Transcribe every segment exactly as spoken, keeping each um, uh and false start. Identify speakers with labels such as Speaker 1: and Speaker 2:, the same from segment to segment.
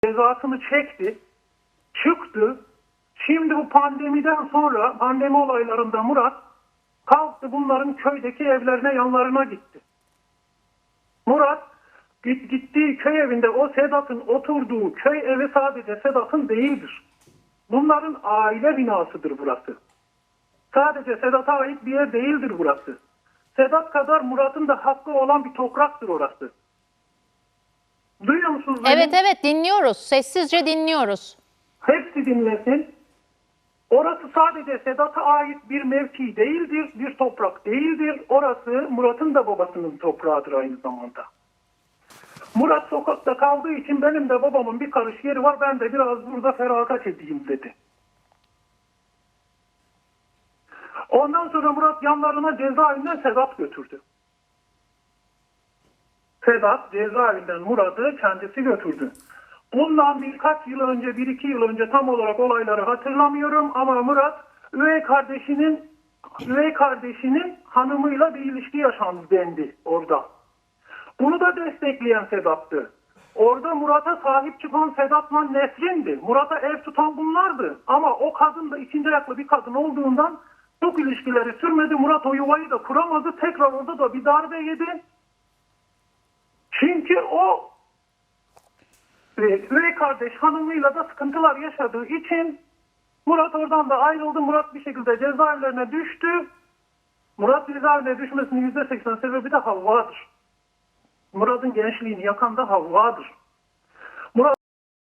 Speaker 1: cezasını çekti, çıktı. Şimdi bu pandemiden sonra, pandemi olaylarında Murat kalktı bunların köydeki evlerine, yanlarına gitti. Murat gittiği köy evinde o Sedat'ın oturduğu köy evi sadece Sedat'ın değildir. Bunların aile binasıdır burası. Sadece Sedat'a ait bir yer değildir burası. Sedat kadar Murat'ın da hakkı olan bir topraktır orası. Duyuyor musunuz beni?
Speaker 2: Evet evet dinliyoruz. Sessizce dinliyoruz.
Speaker 1: Hepsi dinlesin. Orası sadece Sedat'a ait bir mevki değildir, bir toprak değildir. Orası Murat'ın da babasının toprağıdır aynı zamanda. Murat sokakta kaldığı için benim de babamın bir karış yeri var, ben de biraz burada feragat edeyim dedi. Ondan sonra Murat yanlarına cezaevinden Sedat götürdü. Sedat cezaevinden Murat'ı kendisi götürdü. Bundan birkaç yıl önce, bir iki yıl önce tam olarak olayları hatırlamıyorum ama Murat üvey kardeşinin üvey kardeşinin hanımıyla bir ilişki yaşandı dendi orada. Bunu da destekleyen Sedat'tı. Orada Murat'a sahip çıkan Sedat'la Nesrin'di. Murat'a ev tutan bunlardı. Ama o kadın da ikinci ayaklı bir kadın olduğundan çok ilişkileri sürmedi. Murat o yuvayı da kuramadı. Tekrar orada da bir darbe yedi. Çünkü o üvey kardeş hanımıyla da sıkıntılar yaşadığı için Murat oradan da ayrıldı. Murat bir şekilde cezaevlerine düştü. Murat cezaevine düşmesinin yüzde seksen sebebi de Havva'dır. Murat'ın gençliğini yakan da Havva'dır. Murat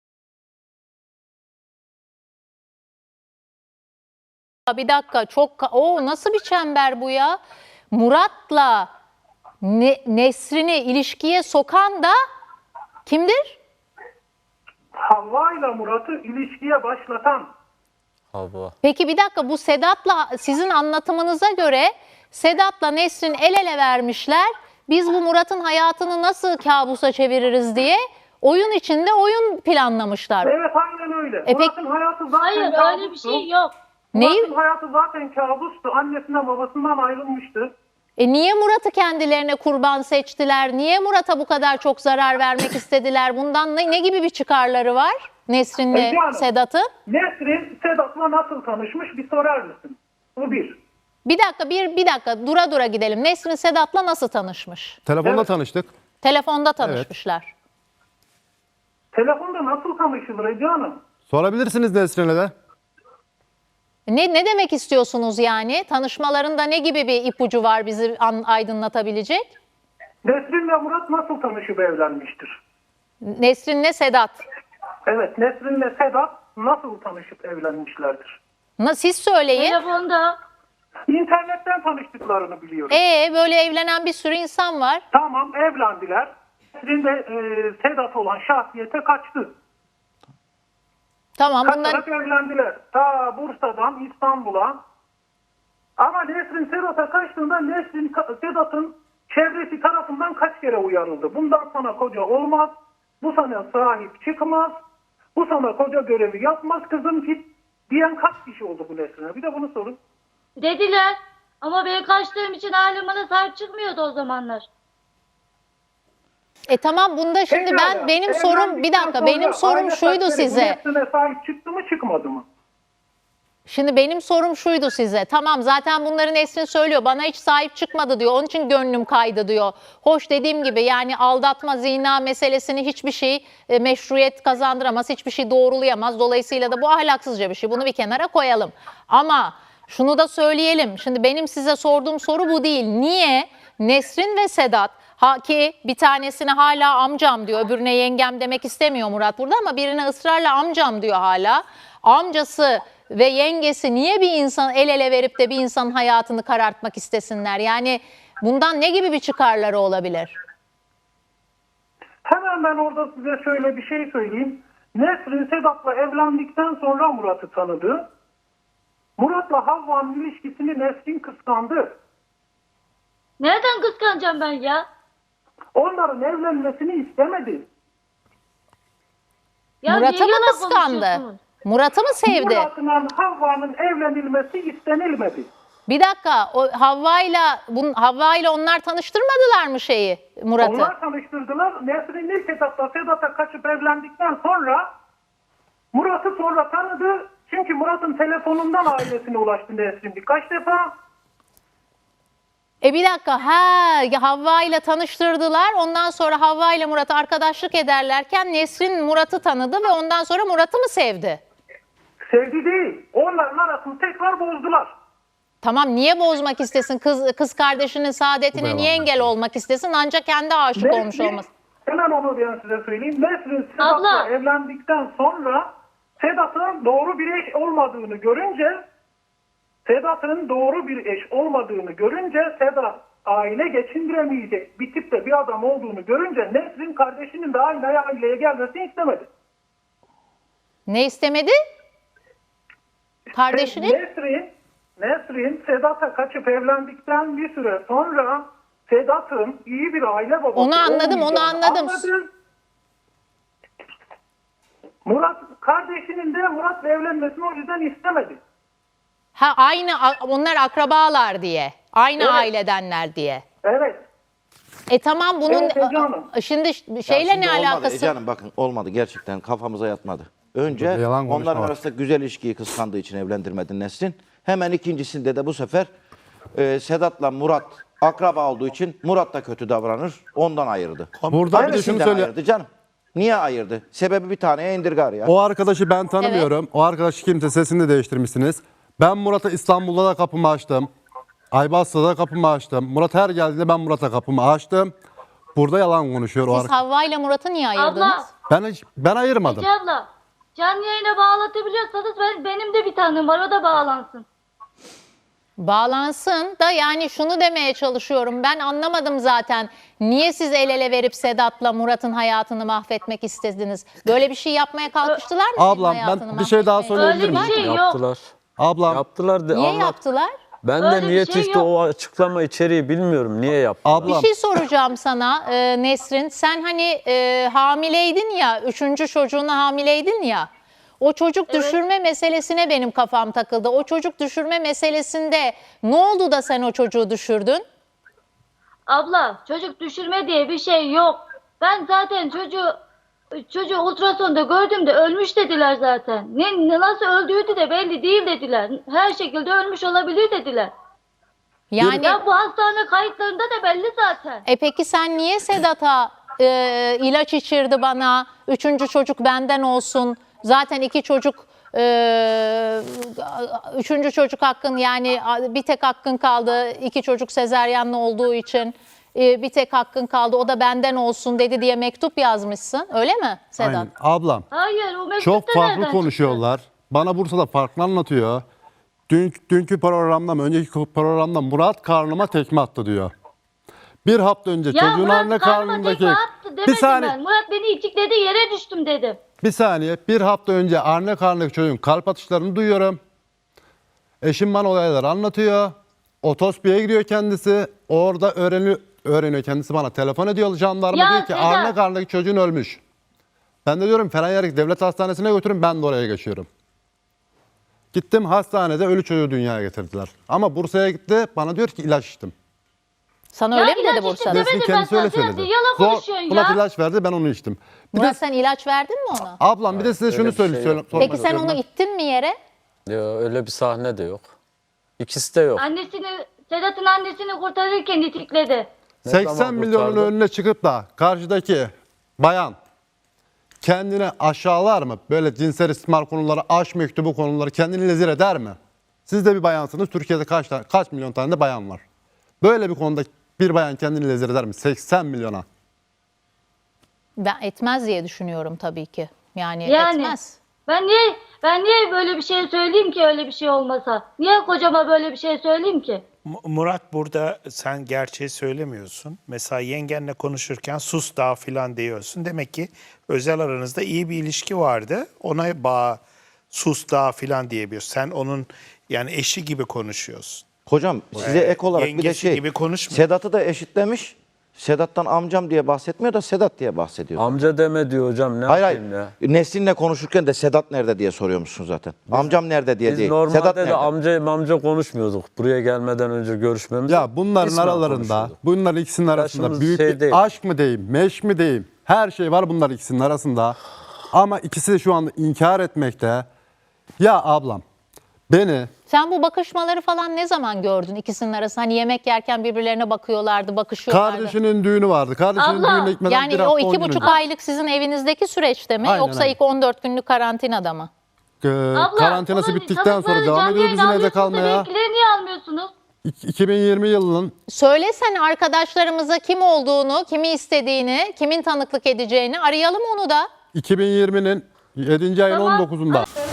Speaker 2: Bir dakika çok o nasıl bir çember bu ya? Murat'la ne, Nesrin'i ilişkiye sokan da kimdir?
Speaker 1: Havva ile Murat'ı ilişkiye başlatan.
Speaker 3: Havva.
Speaker 2: Peki bir dakika, bu Sedat'la sizin anlatımınıza göre Sedat'la Nesrin el ele vermişler. Biz bu Murat'ın hayatını nasıl kabusa çeviririz diye oyun içinde oyun planlamışlar.
Speaker 1: Evet aynen öyle.
Speaker 2: E
Speaker 1: Murat'ın hayatı zaten
Speaker 4: Hayır
Speaker 1: kabustu.
Speaker 4: öyle bir şey yok.
Speaker 2: Neyi?
Speaker 1: Murat'ın hayatı zaten kabustu. Annesinden babasından ayrılmıştı.
Speaker 2: E niye Murat'ı kendilerine kurban seçtiler? Niye Murat'a bu kadar çok zarar vermek istediler? Bundan ne, ne gibi bir çıkarları var Nesrin'le
Speaker 1: Ece Hanım,
Speaker 2: Sedat'ın?
Speaker 1: Nesrin Sedat'la nasıl tanışmış bir sorar mısın? Bu bir.
Speaker 2: Bir dakika, bir, bir dakika dura dura gidelim. Nesrin Sedat'la nasıl tanışmış?
Speaker 3: Telefonda
Speaker 1: Evet.
Speaker 3: tanıştık.
Speaker 2: Telefonda tanışmışlar.
Speaker 1: Telefonda nasıl tanışılır Ece Hanım?
Speaker 3: Sorabilirsiniz Nesrin'e de.
Speaker 2: Ne, ne demek istiyorsunuz yani? Tanışmalarında ne gibi bir ipucu var bizi an, aydınlatabilecek?
Speaker 1: Nesrin ve Murat nasıl tanışıp evlenmiştir?
Speaker 2: Nesrin'le Sedat.
Speaker 1: Evet, Nesrin ve Sedat nasıl tanışıp evlenmişlerdir?
Speaker 2: Na, siz söyleyin.
Speaker 4: Telefonda.
Speaker 1: İnternetten tanıştıklarını biliyorum.
Speaker 2: Ee böyle evlenen bir sürü insan var.
Speaker 1: Tamam, evlendiler. Nesrin de e, Sedat olan şahsiyete kaçtı.
Speaker 2: Tamam bunlar
Speaker 1: Kaçarak evlendiler. Ta Bursa'dan İstanbul'a. Ama Nesrin Sedat'a kaçtığında Nesrin Sedat'ın çevresi tarafından kaç kere uyarıldı. Bundan sana koca olmaz. Bu sana sahip çıkmaz. Bu sana koca görevi yapmaz kızım git diyen kaç kişi oldu bu Nesrin'e? Bir de bunu sorun.
Speaker 4: Dediler. Ama ben kaçtığım için ailem bana sahip çıkmıyordu o zamanlar.
Speaker 2: E tamam bunda şimdi
Speaker 1: Pekala,
Speaker 2: ben benim sorum bir
Speaker 1: evlendikten
Speaker 2: dakika
Speaker 1: sonra
Speaker 2: benim sorum
Speaker 1: aile
Speaker 2: şuydu
Speaker 1: fertleri bu
Speaker 2: size.
Speaker 1: Nesrin'e sahip çıktı mı çıkmadı mı?
Speaker 2: Şimdi benim sorum şuydu size. Tamam zaten bunların Nesrin söylüyor. Bana hiç sahip çıkmadı diyor. Onun için gönlüm kaydı diyor. Hoş dediğim gibi yani aldatma, zina meselesini hiçbir şey e, meşruiyet kazandıramaz. Hiçbir şey doğrulayamaz. Dolayısıyla da bu ahlaksızca bir şey. Bunu bir kenara koyalım. Ama şunu da söyleyelim. Şimdi benim size sorduğum soru bu değil. Niye Nesrin ve Sedat, ha ki bir tanesine hala amcam diyor, öbürüne yengem demek istemiyor Murat burada ama birine ısrarla amcam diyor hala. Amcası ve yengesi niye bir insan el ele verip de bir insanın hayatını karartmak istesinler? Yani bundan ne gibi bir çıkarları olabilir?
Speaker 1: Hemen ben orada size şöyle bir şey söyleyeyim. Nesrin Sedat'la evlendikten sonra Murat'ı tanıdı. Murat'la Havva'nın ilişkisini Nesrin kıskandı.
Speaker 4: Nereden kıskanacağım ben ya?
Speaker 1: Onların evlenmesini istemedi.
Speaker 4: Ya
Speaker 2: Murat'ı
Speaker 4: niye
Speaker 2: mı
Speaker 4: yalan
Speaker 2: kıskandı?
Speaker 4: konuşuyorsunuz?
Speaker 2: Murat'ı mı sevdi?
Speaker 1: Murat'la Havva'nın evlenilmesi istenilmedi.
Speaker 2: Bir dakika, o Havva'yla bun Havva'yla onlar tanıştırmadılar mı şeyi Murat'ı?
Speaker 1: Onlar tanıştırdılar. Nesrin'le Sedat'la Sedat'a kaçıp evlendikten sonra Murat'ı sonra tanıdı. Çünkü Murat'ın telefonundan ailesine ulaştı Nesrin birkaç defa.
Speaker 2: E bir dakika, ha Havva ile tanıştırdılar. Ondan sonra Havva ile Murat arkadaşlık ederlerken Nesrin Murat'ı tanıdı ve ondan sonra Murat'ı mı sevdi?
Speaker 1: Sevgi değil. Onların arasını tekrar bozdular.
Speaker 2: Tamam, niye bozmak istesin? Kız kız kardeşinin
Speaker 3: Bu da
Speaker 2: saadetine niye
Speaker 3: yalan.
Speaker 2: engel olmak istesin? Ancak kendi aşık olmuş
Speaker 1: Nesrin-
Speaker 2: olması.
Speaker 1: Hemen onu ben size söyleyeyim. Nesrin Sedat'la
Speaker 4: Abla.
Speaker 1: evlendikten sonra Sedat'ın doğru bir eş olmadığını görünce Sedat'ın doğru bir eş olmadığını görünce Sedat aile geçindiremeyecek bir tipte bir adam olduğunu görünce Nesrin kardeşinin de aynı aileye gelmesini istemedi.
Speaker 2: Ne istemedi? Kardeşinin?
Speaker 1: Nesrin, Nesrin Sedat'a kaçıp evlendikten bir süre sonra Sedat'ın iyi bir aile babası
Speaker 2: Onu anladım, onu
Speaker 1: olmayacağını
Speaker 2: anladım.
Speaker 1: anladı. Murat kardeşinin de Murat'la evlenmesini o yüzden istemedi.
Speaker 2: Ha, aynı onlar akrabalar diye. Aynı
Speaker 1: Evet.
Speaker 2: ailedenler diye.
Speaker 1: Evet.
Speaker 2: E tamam, bunun
Speaker 1: Evet, Ece Hanım.
Speaker 2: şimdi
Speaker 5: Ya
Speaker 2: şeyle
Speaker 5: şimdi
Speaker 2: ne
Speaker 5: olmadı
Speaker 2: alakası?
Speaker 5: Ece Hanım, bakın olmadı, gerçekten kafamıza yatmadı. Önce
Speaker 3: Burada yalan konuşma
Speaker 5: onların
Speaker 3: var.
Speaker 5: arasında güzel ilişkiyi kıskandığı için evlendirmedin Nesrin. Hemen ikincisinde de bu sefer e, Sedat'la Murat akraba olduğu için Murat da kötü davranır, ondan ayırdı.
Speaker 3: Burada bir de şunu
Speaker 5: Hangisinden
Speaker 3: söyle.
Speaker 5: ayırdı canım? Niye ayırdı? Sebebi bir taneye indirgar ya.
Speaker 3: O arkadaşı ben tanımıyorum. O arkadaşı kimse, sesini de değiştirmişsiniz. Ben Murat'a İstanbul'da da kapımı açtım. Aybastı'da da kapımı açtım. Murat her geldiğinde ben Murat'a kapımı açtım. Burada yalan konuşuyor o
Speaker 2: Siz
Speaker 3: arkadaş.
Speaker 2: Havva ile Murat'ı niye ayırdınız?
Speaker 4: Abla.
Speaker 3: Ben hiç, ben ayırmadım.
Speaker 4: Ece abla. Canlı yayına bağlatabiliyorsanız ben, benim de bir tanem var, o da bağlansın.
Speaker 2: Bağlansın da, yani şunu demeye çalışıyorum. Ben anlamadım zaten. Niye siz el ele verip Sedat'la Murat'ın hayatını mahvetmek istediniz? Böyle bir şey yapmaya kalkıştılar mı? senin
Speaker 3: Ablam, ben
Speaker 2: hayatını
Speaker 3: bir şey daha
Speaker 2: mahvetmeye?
Speaker 3: söyleyebilir
Speaker 4: Öyle bir
Speaker 3: miyim?
Speaker 4: şey yok.
Speaker 6: Yaptılar.
Speaker 3: Ablam,
Speaker 6: Yaptılar de
Speaker 2: Niye
Speaker 6: anlat.
Speaker 2: yaptılar?
Speaker 6: Ben
Speaker 4: Öyle
Speaker 6: de
Speaker 4: bir
Speaker 6: niye
Speaker 4: şey
Speaker 6: çıktı
Speaker 4: yok.
Speaker 6: o açıklama içeriği bilmiyorum. Niye yaptılar?
Speaker 3: ablam.
Speaker 2: Bir şey soracağım sana e, Nesrin. Sen hani e, hamileydin ya, üçüncü çocuğuna hamileydin ya. O çocuk düşürme meselesine benim kafam takıldı. O çocuk düşürme meselesinde ne oldu da sen o çocuğu düşürdün?
Speaker 4: Abla, çocuk düşürme diye bir şey yok. Ben zaten çocuğu çocuğu ultrasonda gördüğümde ölmüş dediler zaten. Ne, ne- nasıl öldüğü de belli değil dediler. Her şekilde ölmüş olabilir dediler.
Speaker 2: Yani
Speaker 4: Ya bu hastane kayıtlarında da belli zaten.
Speaker 2: e peki sen niye Sedat'a e, ilaç içirdi bana, üçüncü çocuk benden olsun, zaten iki çocuk, e, üçüncü çocuk hakkın, yani bir tek hakkın kaldı, iki çocuk sezaryenli olduğu için e, bir tek hakkın kaldı, o da benden olsun dedi diye mektup yazmışsın, öyle mi Sedat?
Speaker 3: Aynen. Ablam.
Speaker 4: Hayır, o mektup
Speaker 3: Çok
Speaker 4: da
Speaker 3: farklı
Speaker 4: nereden
Speaker 3: konuşuyorlar. Bana Bursa'da farklı anlatıyor. Dün, dünkü programda mı, önceki programda Murat karnıma tekme attı diyor. Bir hafta önce
Speaker 4: çıktı? Ya
Speaker 3: çocuğun
Speaker 4: Murat
Speaker 3: anne
Speaker 4: karnıma
Speaker 3: karnındaki...
Speaker 4: tekme attı demedim
Speaker 3: Bir saniye,
Speaker 4: ben. Murat beni itikledi, yere düştüm dedim.
Speaker 3: bir saniye. Bir hafta önce anne karnındaki çocuğun kalp atışlarını duyuyorum. Eşim bana olayları anlatıyor. Otospiye gidiyor kendisi. Orada öğreniyor, öğreniyor kendisi, bana telefon ediyor. Jandarma
Speaker 4: Ya
Speaker 3: diyor ki
Speaker 4: Sedat.
Speaker 3: anne karnındaki çocuğun ölmüş. Ben de diyorum Fenerbahçe Devlet Hastanesi'ne götürün, ben de oraya geçiyorum. Gittim, hastanede ölü çocuğu dünyaya getirdiler. Ama Bursa'ya gitti, bana diyor ki ilaç içtim.
Speaker 2: Sana
Speaker 4: Ya
Speaker 2: öyle mi
Speaker 4: ilaç
Speaker 2: dedi
Speaker 4: içtim
Speaker 2: Bursa'da?
Speaker 4: demedim.
Speaker 3: Nesrin
Speaker 4: ben
Speaker 3: kendisi öyle
Speaker 4: sana,
Speaker 3: söyledi.
Speaker 4: yalan
Speaker 3: Zor,
Speaker 4: konuşuyorsun
Speaker 3: Murat
Speaker 4: ya.
Speaker 3: ilaç verdi, ben onu içtim. Bir
Speaker 2: Murat
Speaker 3: de,
Speaker 2: sen ilaç verdin mi ona?
Speaker 3: ablam bir de size şunu
Speaker 6: öyle bir şey
Speaker 3: söyleyeyim.
Speaker 6: yok.
Speaker 3: sormak
Speaker 2: Peki sen
Speaker 3: istiyorum
Speaker 2: onu
Speaker 3: ben.
Speaker 2: ittin mi yere?
Speaker 6: Ya, öyle bir sahne de yok. İkisi de yok.
Speaker 4: Annesini, Sedat'ın annesini kurtarırken itikledi.
Speaker 6: Ne
Speaker 3: seksen
Speaker 6: zaman
Speaker 3: milyonun
Speaker 6: kurtardı?
Speaker 3: önüne çıkıp da karşıdaki bayan kendini aşağılar mı? Böyle cinsel istismar konuları, aşk mektubu konuları kendini lezir eder mi? Siz de bir bayansınız. Türkiye'de kaç tane, kaç milyon tane de bayan var. Böyle bir konuda bir bayan kendini lezir eder mi? seksen milyona.
Speaker 2: Ben etmez diye düşünüyorum tabii ki. Yani,
Speaker 4: Yani.
Speaker 2: etmez.
Speaker 4: Ben niye ben niye böyle bir şey söyleyeyim ki, öyle bir şey olmasa? Niye kocama böyle bir şey söyleyeyim ki?
Speaker 7: Mu- Murat, burada sen gerçeği söylemiyorsun. Mesela yengenle konuşurken sus daha filan diyorsun. Demek ki özel aranızda iyi bir ilişki vardı. Ona bağ sus daha filan diyebiliyorsun. Sen onun yani eşi gibi konuşuyorsun.
Speaker 5: Hocam size ek olarak bir de
Speaker 7: Yengesi
Speaker 5: şey,
Speaker 7: gibi konuşmuyor.
Speaker 5: Sedat'ı da eşitlemiş. Sedat'tan amcam diye bahsetmiyor da Sedat diye bahsediyor.
Speaker 6: Amca deme diyor hocam. Ne
Speaker 5: Hayır hayır.
Speaker 6: yapayım ya?
Speaker 5: Nesrin'le konuşurken de Sedat nerede diye soruyormuşsun zaten. Amcam nerede diye
Speaker 6: Biz
Speaker 5: değil.
Speaker 6: normalde
Speaker 5: Sedat
Speaker 6: de
Speaker 5: nerede?
Speaker 6: amca amca konuşmuyorduk. Buraya gelmeden önce görüşmemiz.
Speaker 3: Ya bunların
Speaker 6: İsmen
Speaker 3: aralarında,
Speaker 6: konuşuyorduk.
Speaker 3: bunların ikisinin arasında
Speaker 6: Yaşımız
Speaker 3: büyük
Speaker 6: şey
Speaker 3: bir
Speaker 6: değil.
Speaker 3: aşk mı diyeyim, meşk mi diyeyim, her şey var bunların ikisinin arasında. Ama ikisi de şu anda inkar etmekte. Ya ablam, beni
Speaker 2: Sen bu bakışmaları falan ne zaman gördün ikisinin arasında? Hani yemek yerken birbirlerine bakıyorlardı, bakışıyorlardı.
Speaker 3: kardeşinin düğünü vardı. Kardeşinin
Speaker 4: Abla,
Speaker 3: düğününe gitmeden bir
Speaker 2: Yani
Speaker 3: hafta
Speaker 2: o
Speaker 3: on
Speaker 2: iki
Speaker 3: gün
Speaker 2: buçuk
Speaker 3: önce.
Speaker 2: aylık sizin evinizdeki süreçte mi?
Speaker 3: Aynen,
Speaker 2: Yoksa
Speaker 3: aynen.
Speaker 2: ilk on dört günlük karantinada mı?
Speaker 3: Ee,
Speaker 4: Abla,
Speaker 3: karantinası
Speaker 4: bunun
Speaker 3: bittikten sonra
Speaker 4: tanıkları
Speaker 3: devam
Speaker 4: canlı
Speaker 3: ediyor
Speaker 4: yayın
Speaker 3: bizim evde
Speaker 4: almıyorsunuz da
Speaker 3: kalmaya.
Speaker 4: benimkileri niye almıyorsunuz?
Speaker 3: İk- iki bin yirmi yılının
Speaker 2: Söylesene arkadaşlarımıza kim olduğunu, kimi istediğini, kimin tanıklık edeceğini arayalım onu da.
Speaker 3: iki bin yirminin yedinci ayın
Speaker 4: Tamam.
Speaker 3: on dokuzunda.
Speaker 4: Hadi.